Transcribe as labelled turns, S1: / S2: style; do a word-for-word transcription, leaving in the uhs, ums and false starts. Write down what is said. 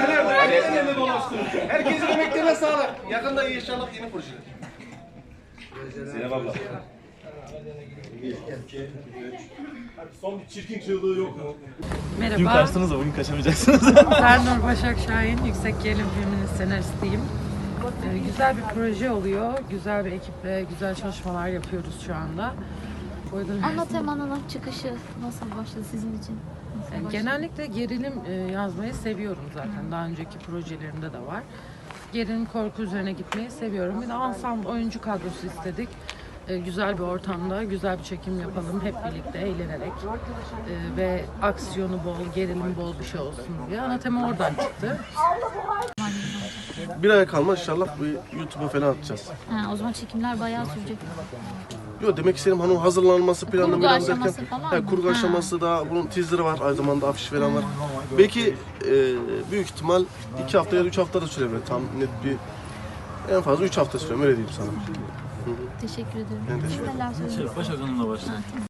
S1: nerede? Herkesin elinde dolaştırın. Herkesin emeklerine sağlık. Yakında inşallah yeni projeler. Zeynep abla. Son bir çirkin çığlığı yok mu?
S2: Merhaba.
S3: Dün kaçtınız da bugün kaçamayacaksınız.
S2: Sernur Başak Şahin, Yüksek Gerilim filminin senaristiyim. Ee, güzel bir proje oluyor. Güzel bir ekiple güzel çalışmalar yapıyoruz şu anda. O yüzden
S4: Ana temanın çıkışı nasıl başladı sizin için? Nasıl
S2: Yani
S4: başladı?
S2: genellikle gerilim e, yazmayı seviyorum zaten. Daha önceki projelerimde de var. Gerilim korku üzerine gitmeyi seviyorum. Bir de ensemble oyuncu kadrosu istedik. E, güzel bir ortamda güzel bir çekim yapalım hep birlikte eğlenerek. E, ve aksiyonu bol, gerilim bol bir şey olsun diye. Ana tema oradan çıktı.
S1: Bir aya kalma inşallah bu YouTube'a falan atacağız.
S4: Ha, o zaman çekimler bayağı sürecek.
S1: Yok demek istediğim hani o hazırlanması planı
S4: Kurgu
S1: falan
S4: aşaması
S1: derken.
S4: falan
S1: He,
S4: mı?
S1: kurgu
S4: Ha.
S1: aşaması da bunun teaser'ı var aynı zamanda afiş falan var. Belki e, büyük ihtimal iki hafta ya da üç hafta da sürebilir. Tam net bir en fazla üç hafta sürüyor öyle diyeyim sana.
S4: Teşekkür ederim.
S1: Ben
S4: Siz
S1: teşekkür ederim.
S4: neler söylüyorsunuz?
S3: Başak Hanım'la başlayalım.
S4: Ha, tamam.